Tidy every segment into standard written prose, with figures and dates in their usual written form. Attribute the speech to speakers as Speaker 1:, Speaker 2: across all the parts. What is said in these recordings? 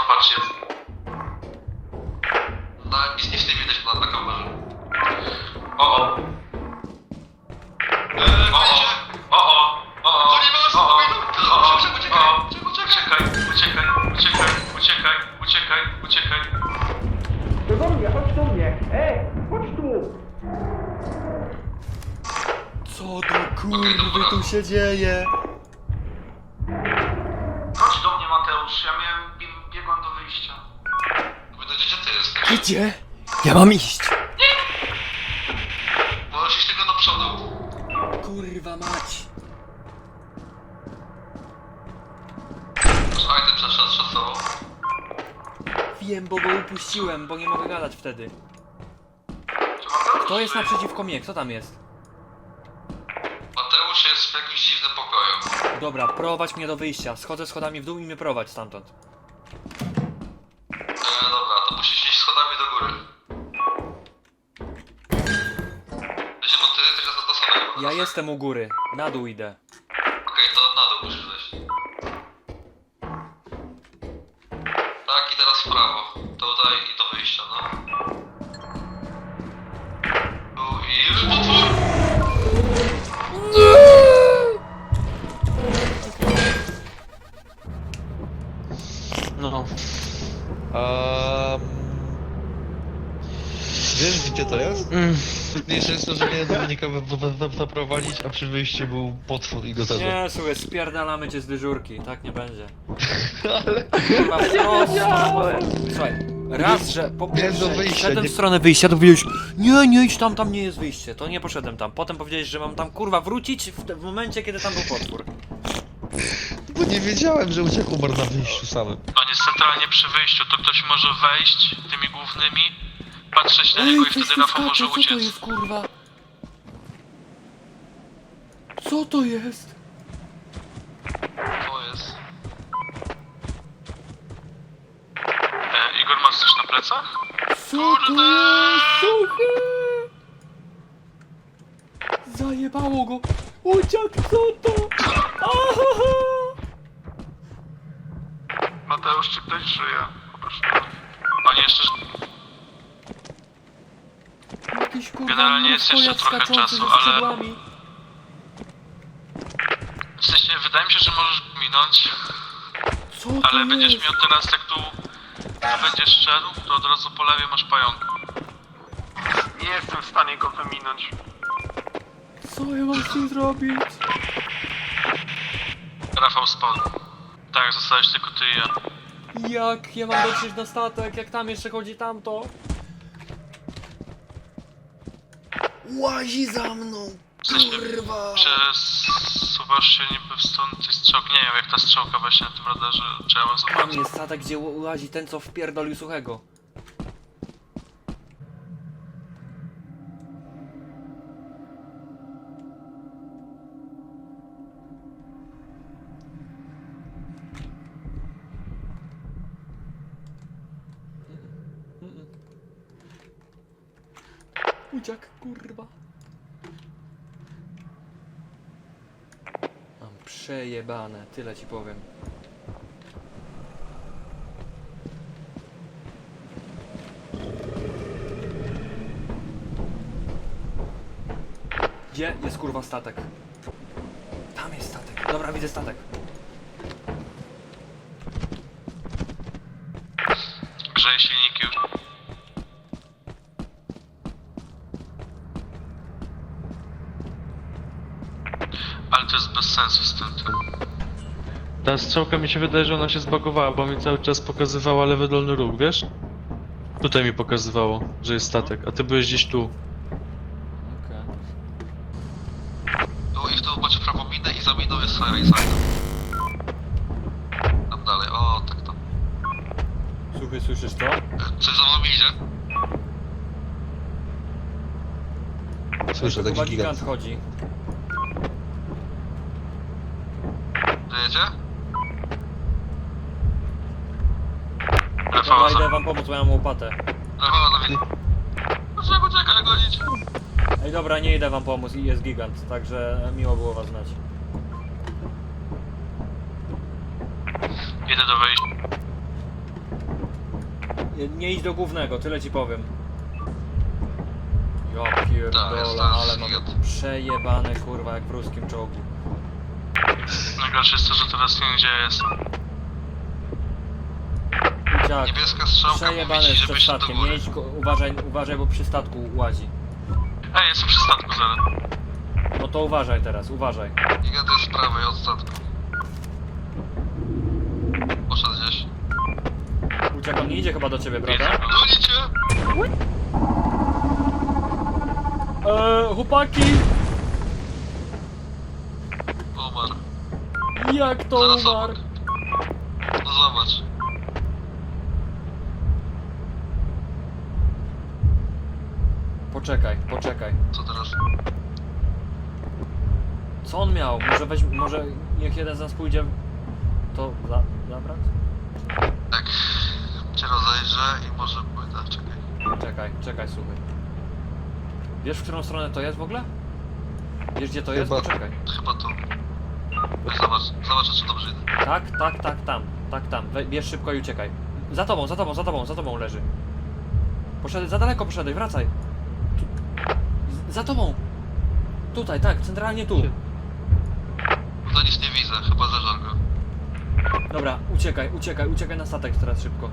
Speaker 1: patrz jest. No, nic nie widać na kamerze. O. Uciekaj.
Speaker 2: To do mnie, chodź do mnie! Ej, chodź tu!
Speaker 3: Co do kurwy tu się dzieje?
Speaker 1: Chodź do mnie, Mateusz, ja biegłem do wyjścia. Gdzie ty jesteś?
Speaker 3: Gdzie? Ja mam iść!
Speaker 1: Możesz iść tylko do przodu.
Speaker 3: Kurwa mać!
Speaker 1: Słuchaj, ty przed sobą.
Speaker 3: Wiem, bo go upuściłem, bo nie mogę gadać wtedy.
Speaker 1: Czy Mateusz
Speaker 3: Kto jest
Speaker 1: żyje?
Speaker 3: naprzeciwko mnie? Kto tam jest?
Speaker 1: Mateusz jest w jakimś dziwnym pokoju.
Speaker 3: Dobra, prowadź mnie do wyjścia. Schodzę schodami w dół i mnie prowadź stamtąd.
Speaker 1: Dobra, to musisz iść schodami do góry. Wiecie, bo ty jesteś na samego.
Speaker 3: Ja jestem u góry. Na dół idę.
Speaker 1: Okej, to na dół musisz wejść. Tak, i teraz w prawo. Tutaj i do wyjścia, no. Tu i... Potwór!
Speaker 4: No. Wiesz gdzie to jest? Trudniejsze jest to, że miałem Dominika zaprowadzić, a przy wyjściu był potwór i go zabił.
Speaker 3: Nie, słuchaj, spierdalamy cię z dyżurki. Tak nie będzie.
Speaker 4: Ale...
Speaker 3: Kurwa, prosto. Słuchaj, raz, że po
Speaker 4: do
Speaker 3: pierwsze
Speaker 4: wyjścia,
Speaker 3: szedłem
Speaker 4: nie-
Speaker 3: w stronę wyjścia, to powiedziałeś nie idź tam nie jest wyjście. To nie poszedłem tam. Potem powiedziałeś, że mam tam kurwa wrócić w momencie, kiedy tam był potwór.
Speaker 4: Bo nie wiedziałem, że uciekł umarł na wyjściu samym.
Speaker 1: On jest centralnie przy wyjściu, to ktoś może wejść tymi głównymi, patrzeć na niego i wtedy Rafał może
Speaker 3: co to
Speaker 1: uciec.
Speaker 3: jest kurwa? Co to jest?
Speaker 1: To jest... Igor, masz coś na plecach?
Speaker 3: Co to jest? Suchy! Zajebało go! Uciekł, co to? Ahaha!
Speaker 1: Mateusz, czy ktoś żyje? Poproszę. Oni jeszcze...
Speaker 3: Jakiś kurwa
Speaker 1: Generalnie jest jeszcze
Speaker 3: mnóstwo jak
Speaker 1: trochę
Speaker 3: skaczący
Speaker 1: czasu,
Speaker 3: ze
Speaker 1: ale-
Speaker 3: skrzydłami.
Speaker 1: W sensie, wydaje mi się, że możesz minąć,
Speaker 3: Co to
Speaker 1: ale będziesz
Speaker 3: jest?
Speaker 1: miał teraz, jak tu będziesz szedł, to od razu po lewej masz pająka. Nie jestem w stanie go wyminąć.
Speaker 3: Co ja mam z tym zrobić?
Speaker 1: Rafał spadł. Tak, zostałeś tylko ty i ja.
Speaker 3: Jak ja mam dotrzeć na statek, jak tam jeszcze chodzi tamto? Łazi za mną!
Speaker 1: W sensie,
Speaker 3: Kurwa!
Speaker 1: przesuwasz się niby w stronę tej strzałki. Nie wiem, jak ta strzałka właśnie na tym radarze działa,
Speaker 3: Tam
Speaker 1: zobacz.
Speaker 3: jest statek, gdzie łazi ten, co wpierdolił Suchego. Uciek, kurwa. Mam przejebane, tyle ci powiem. Gdzie jest kurwa statek? Tam jest statek. Dobra, widzę statek.
Speaker 1: Grzeje silniki już. Ale to jest bez sensu z tym.
Speaker 4: Ta strzałka mi się wydaje, że ona się zbagowała, bo mi cały czas pokazywała lewy dolny róg, wiesz? Tutaj mi pokazywało, że jest statek, a ty byłeś gdzieś tu.
Speaker 3: Okej.
Speaker 1: Tu i w tu macie prawą minę i za miną jest Fireside. Tam dalej, o tak tam.
Speaker 3: Słuchaj, słyszysz to?
Speaker 1: Coś za wami idzie?
Speaker 4: Słyszę,
Speaker 3: Chyba
Speaker 4: taki
Speaker 3: gigant
Speaker 4: gigant.
Speaker 3: chodzi.
Speaker 1: Żyjecie?
Speaker 3: Dobra,
Speaker 1: Rafał,
Speaker 3: idę wam pomóc, bo ja mam łopatę.
Speaker 1: Rafał, na mnie. Poczekaj, gonić.
Speaker 3: Ej, dobra, nie idę wam pomóc, jest gigant, także miło było was znać.
Speaker 1: Idę do wejścia.
Speaker 3: Nie idź do głównego, tyle ci powiem. Ja
Speaker 1: Tak,
Speaker 3: pierdolę,
Speaker 1: jest
Speaker 3: ale
Speaker 1: tam
Speaker 3: mamy
Speaker 1: zjad.
Speaker 3: przejebane kurwa jak w ruskim czołgu.
Speaker 1: Najgorsze jest to, że teraz nie wiem, gdzie jest.
Speaker 3: Uciak,
Speaker 1: Niebieska strzałka
Speaker 3: przejebane
Speaker 1: mówi ci,
Speaker 3: jest
Speaker 1: żeby
Speaker 3: przed
Speaker 1: szedł do
Speaker 3: statkiem,
Speaker 1: góry.
Speaker 3: nie idź, uważaj, bo przy statku łazi.
Speaker 1: Ej, jestem przy statku zaraz.
Speaker 3: No to uważaj teraz, uważaj.
Speaker 1: I jadę z prawej od statku. Poszedł gdzieś.
Speaker 3: Uciak, on nie idzie chyba do ciebie, prawda?
Speaker 1: Gonicie!
Speaker 3: Chłopaki!
Speaker 1: Umarł.
Speaker 3: Jak to
Speaker 1: Zaraz
Speaker 3: umarł?
Speaker 1: obok. No zobacz.
Speaker 3: Poczekaj.
Speaker 1: Co teraz?
Speaker 3: Co on miał? Może niech jeden z nas pójdzie to zabrać?
Speaker 1: Tak. Cię rozejrzę i może pójdę. Czekaj.
Speaker 3: Czekaj, słuchaj. Wiesz, w którą stronę to jest w ogóle? Wiesz, gdzie to jest?
Speaker 1: Chyba-
Speaker 3: Poczekaj.
Speaker 1: Chyba tu. Weź zobacz. Zobaczę, czy dobrze idę.
Speaker 3: Tak, tam. Bierz szybko i uciekaj. Za tobą leży. Poszedłeś, za daleko poszedłeś, wracaj. Za tobą. Tutaj, tak, centralnie tu.
Speaker 1: To nic nie widzę. Chyba zeżar go.
Speaker 3: Dobra, uciekaj na statek teraz szybko.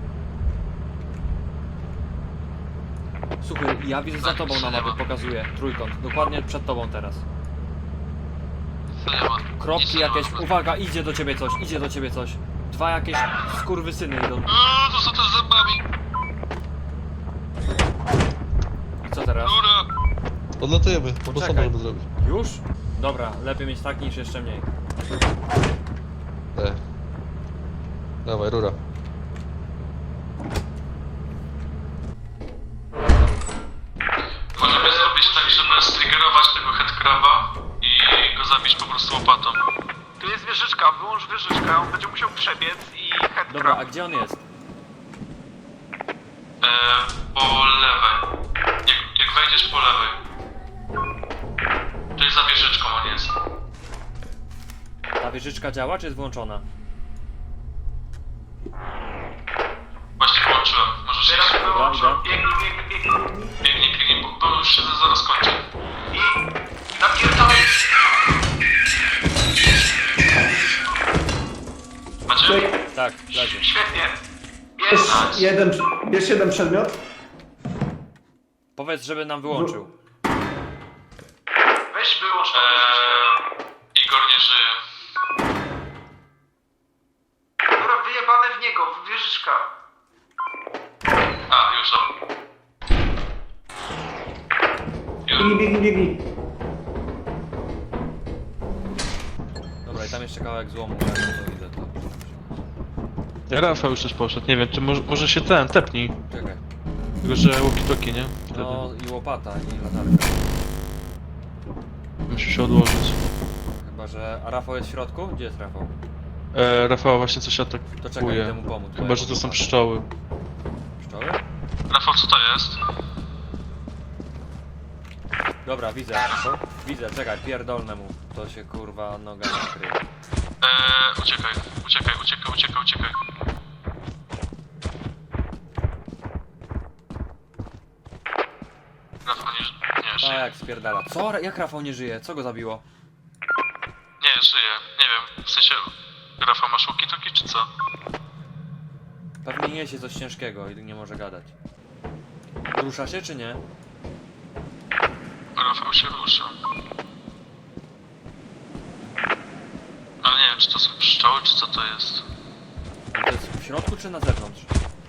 Speaker 3: Słuchaj, ja widzę za tobą na mapie, pokazuję. Trójkąt, dokładnie przed tobą teraz.
Speaker 1: Co nie ma?
Speaker 3: Kropki
Speaker 1: Nic nie ma.
Speaker 3: jakieś, uwaga, idzie do ciebie coś. Dwa jakieś skurwysyny idą.
Speaker 1: To są te z zębami.
Speaker 3: I co teraz?
Speaker 1: Góra.
Speaker 5: Odlatujemy, bo
Speaker 3: Poczekaj.
Speaker 5: samo żeby zrobić.
Speaker 3: Już? Dobra, lepiej mieć tak niż jeszcze mniej.
Speaker 5: Dawaj, rura.
Speaker 1: Możemy zrobić tak, żeby striggerować tego headcraba i go zabić po prostu łopatą. Tu jest wieżyczka, wyłącz wieżyczkę, on będzie musiał przebiec i headcrab.
Speaker 3: Dobra, a gdzie on jest?
Speaker 1: Po lewej. Jak wejdziesz po lewej. To jest za wieżyczką on jest.
Speaker 3: Ta wieżyczka działa, czy jest włączona?
Speaker 1: Właśnie włączyłem. Możesz teraz
Speaker 3: Dobra,
Speaker 1: wyłączyłem.
Speaker 3: idę.
Speaker 1: Biegnij, bo już się zaraz kończy. I napierdolę. Macie?
Speaker 3: Tak, leży.
Speaker 1: Świetnie.
Speaker 2: Bierz jeden przedmiot.
Speaker 3: Powiedz, żeby nam wyłączył.
Speaker 1: Weź wyłącz tą Igor nie żyje. Dobra, wyjebane w niego, wieżyczka. A, już dobra.
Speaker 2: Biegnij.
Speaker 3: Dobra, i tam jeszcze kawałek złomu, jak to widzę to.
Speaker 4: Rafał już też poszedł, nie wiem, czy może się tepnij.
Speaker 3: Czekaj.
Speaker 4: Tylko, że walkie-talkie, nie? Wtedy.
Speaker 3: No i łopata, i latarka.
Speaker 4: Musi się odłożyć.
Speaker 3: Chyba, że... A Rafał jest w środku? Gdzie jest Rafał?
Speaker 4: Rafał właśnie coś
Speaker 3: To czekaj,
Speaker 4: atakuje.
Speaker 3: idę mu pomóc. bo
Speaker 4: Chyba,
Speaker 3: ja
Speaker 4: że
Speaker 3: mam
Speaker 4: to są
Speaker 3: łopatę.
Speaker 4: pszczoły.
Speaker 3: Pszczoły?
Speaker 1: Rafał, co to jest?
Speaker 3: Dobra, widzę Rafał. Widzę, czekaj, pierdolnę mu. To się kurwa noga nakryje.
Speaker 1: Uciekaj. Rafał nie żyje.
Speaker 3: Tak, spierdala. Co? Jak Rafał nie żyje? Co go zabiło?
Speaker 1: Nie, żyje. Nie wiem, w sensie... Rafał, masz walkie-talkie czy co?
Speaker 3: Pewnie niesie coś ciężkiego i nie może gadać. Rusza się czy nie?
Speaker 1: Rafał się rusza. Ale nie wiem, czy to są pszczoły, czy co to jest.
Speaker 3: To jest w środku czy na zewnątrz?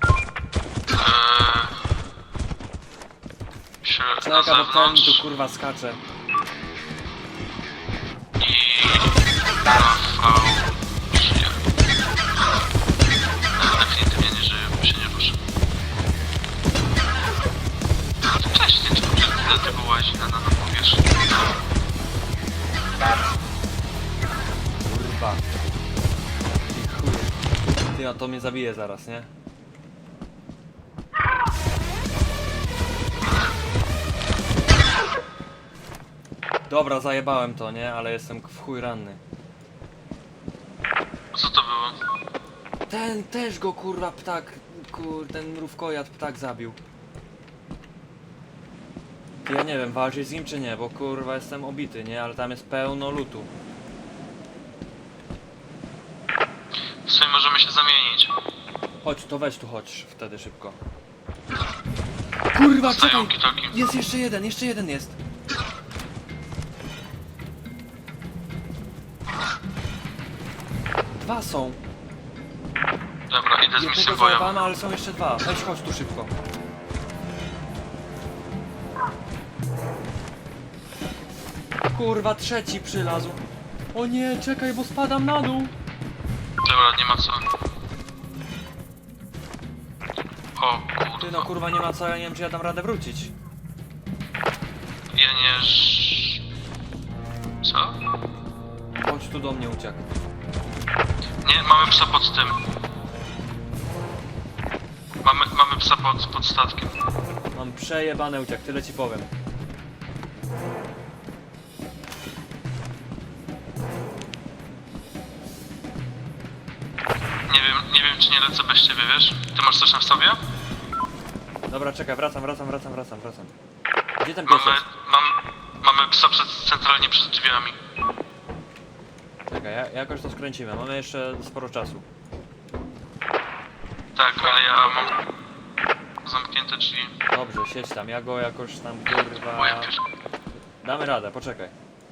Speaker 1: Na
Speaker 3: Czeka, bo ten
Speaker 1: zewnątrz
Speaker 3: tu kurwa skacze.
Speaker 1: i Rafał żyje. Ale definitywnie nie żyje, bo się nie rusza. Wcześniej, czy przez chwilę tego łazi na powierzchni.
Speaker 3: Kurwa. I chuj. Ty, no to mnie zabije zaraz, nie? Dobra, zajebałem to, nie? Ale jestem w chuj ranny.
Speaker 1: Co to było?
Speaker 3: Ten też go kurwa ptak ten mrówkojad ptak zabił. Ty, ja nie wiem, walczyć z nim czy nie, bo kurwa jestem obity, nie? Ale tam jest pełno lutu.
Speaker 1: W sumie możemy się zamienić.
Speaker 3: Chodź, to weź tu chodź wtedy szybko. Kurwa, czekaj!
Speaker 1: Stają kitoki.
Speaker 3: Jest jeszcze jeden jest. Dwa są.
Speaker 1: Dobra, idę z misją
Speaker 3: Jednego
Speaker 1: bojową.
Speaker 3: załapano, ale są jeszcze dwa. Weź chodź tu szybko. Kurwa, trzeci przylazł. O nie, czekaj, bo spadam na dół.
Speaker 1: Dobra, nie ma co. O
Speaker 3: Ty
Speaker 1: kurwa.
Speaker 3: no kurwa, nie ma co, ja nie wiem czy ja dam radę wrócić.
Speaker 1: Ja nie... Co?
Speaker 3: Chodź tu do mnie, uciekł.
Speaker 1: Nie, mamy psa pod tym. Mamy psa pod statkiem.
Speaker 3: Mam przejebane uciek, tyle ci powiem.
Speaker 1: Nie wiem czy nie lecę bez ciebie, wiesz? Ty masz coś na sobie?
Speaker 3: Dobra, czekaj, wracam. Gdzie ten pies jest?
Speaker 1: Mamy psa centralnie przed drzwiami.
Speaker 3: Czekaj, jakoś to skręcimy, mamy jeszcze sporo czasu.
Speaker 1: Tak, ale ja mam zamknięte drzwi.
Speaker 3: Dobrze, siedź tam, ja go jakoś tam kurwa...
Speaker 1: Boję się.
Speaker 3: Damy radę, poczekaj.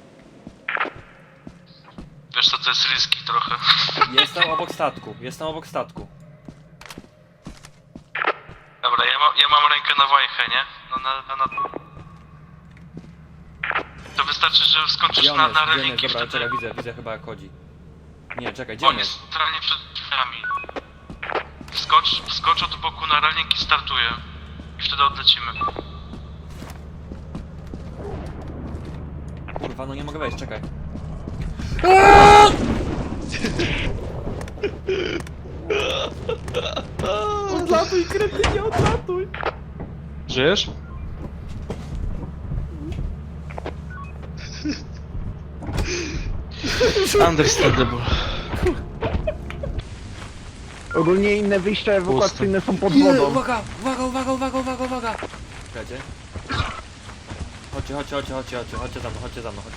Speaker 1: Wiesz co, to jest riski trochę.
Speaker 3: Jestem obok statku.
Speaker 1: Dobra, ja mam rękę na wajchę, nie? No na... To wystarczy, że wskoczysz
Speaker 3: Gdzie on
Speaker 1: na
Speaker 3: jest?
Speaker 1: relinki
Speaker 3: Dobra,
Speaker 1: wtedy.
Speaker 3: czekaj, widzę chyba jak chodzi. Nie, czekaj, gdzie on
Speaker 1: On
Speaker 3: jest?
Speaker 1: jest centralnie przed drzwiami. Wskocz od boku na reling i startuje. I wtedy odlecimy.
Speaker 3: Kurwa, no nie mogę wejść, czekaj. Odlatuj, kretynie, odlatuj!
Speaker 4: Żyjesz? Understandable.
Speaker 2: Ogólnie inne wyjścia ewakuacyjne są pod
Speaker 3: Nie,
Speaker 2: wodą.
Speaker 3: uwaga! Czekajcie. Chodźcie za mną.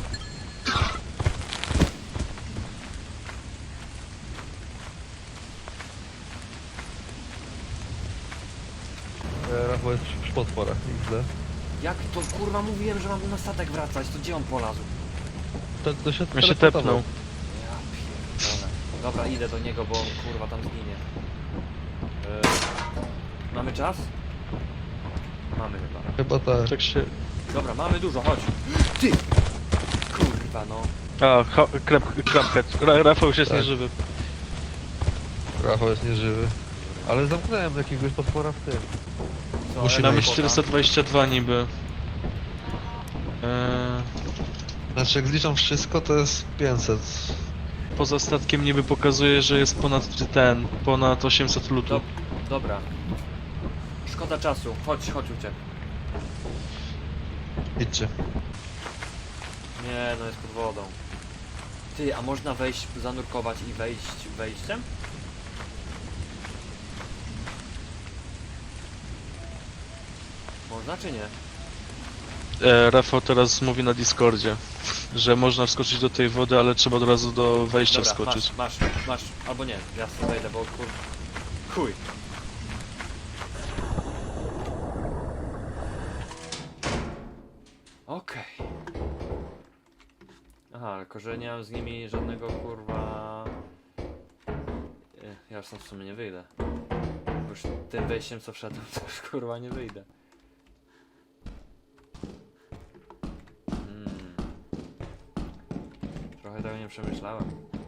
Speaker 5: Rafał jest przy potworach, widzę.
Speaker 3: Jak to kurwa mówiłem, że mam na statek wracać, to gdzie on polazł?
Speaker 5: To się
Speaker 4: Ja się
Speaker 5: teleportował.
Speaker 4: tepnął.
Speaker 3: Ja pierdolę. Dobra, idę do niego, bo on kurwa tam zginie. Mamy czas? Mamy chyba.
Speaker 5: Chyba tak.
Speaker 4: Tak się...
Speaker 3: Dobra, mamy dużo, chodź. Ty! Kurwa no.
Speaker 4: A, Crabhead. Rafał już jest
Speaker 5: Tak.
Speaker 4: nieżywy.
Speaker 5: Rafał jest nieżywy. Ale zamknąłem jakiegoś potwora w tym.
Speaker 3: Co,
Speaker 5: Musimy
Speaker 3: jaka
Speaker 4: Mamy
Speaker 5: iść.
Speaker 3: kwota?
Speaker 4: 422 niby.
Speaker 5: Znaczy jak zliczam wszystko to jest 500.
Speaker 4: Poza statkiem niby pokazuje, że jest ponad 800 lutu.
Speaker 3: Dobra. Szkoda czasu. Chodź uciek.
Speaker 5: Idźcie.
Speaker 3: Nie, no jest pod wodą. Ty, a można wejść, zanurkować i wejść wejściem? Można czy nie?
Speaker 4: Rafał teraz mówi na Discordzie, że można wskoczyć do tej wody, ale trzeba od razu do wejścia
Speaker 3: Dobra,
Speaker 4: wskoczyć.
Speaker 3: masz. Albo nie, ja sobie wejdę, bo chuj. Okej. Aha, tylko że nie mam z nimi żadnego kurwa... Ja już tam w sumie nie wyjdę. Bo już tym wejściem co wszedłem, to już kurwa nie wyjdę. Trochę tego nie przemyślałem.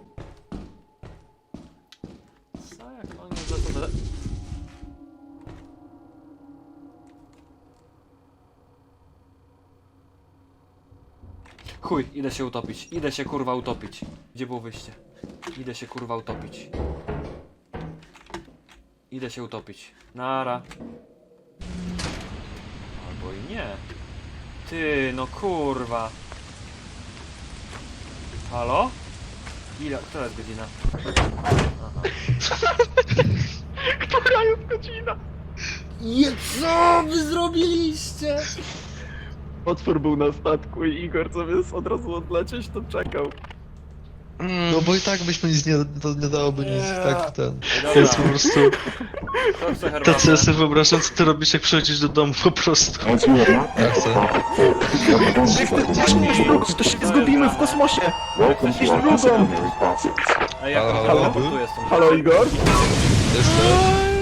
Speaker 3: Co jak oni za to... Chuj, idę się utopić. Idę się kurwa utopić. Gdzie było wyjście? Idę się kurwa utopić. Idę się utopić. Nara. Albo i nie. Ty, no kurwa. Halo? Ile? Która jest godzina? Aha.
Speaker 2: Która jest godzina?
Speaker 3: Co wy zrobiliście?
Speaker 2: Otwór był na statku i Igor zamiast od razu odlecieć, to czekał.
Speaker 5: No bo i tak byśmy nic to nie dałoby nic, tak ten.
Speaker 4: To jest po prostu...
Speaker 3: Kto chce herbatę?
Speaker 4: Tacy ja sobie wyobrażam, co ty robisz, jak przychodzisz do domu po prostu.
Speaker 5: Ja chcę.
Speaker 2: To się zgubimy w kosmosie! Iść drugą!
Speaker 3: Ej, jak
Speaker 5: Halo,
Speaker 3: to
Speaker 5: halo?
Speaker 3: tu jestem.
Speaker 2: Halo Igor?
Speaker 5: Jestem.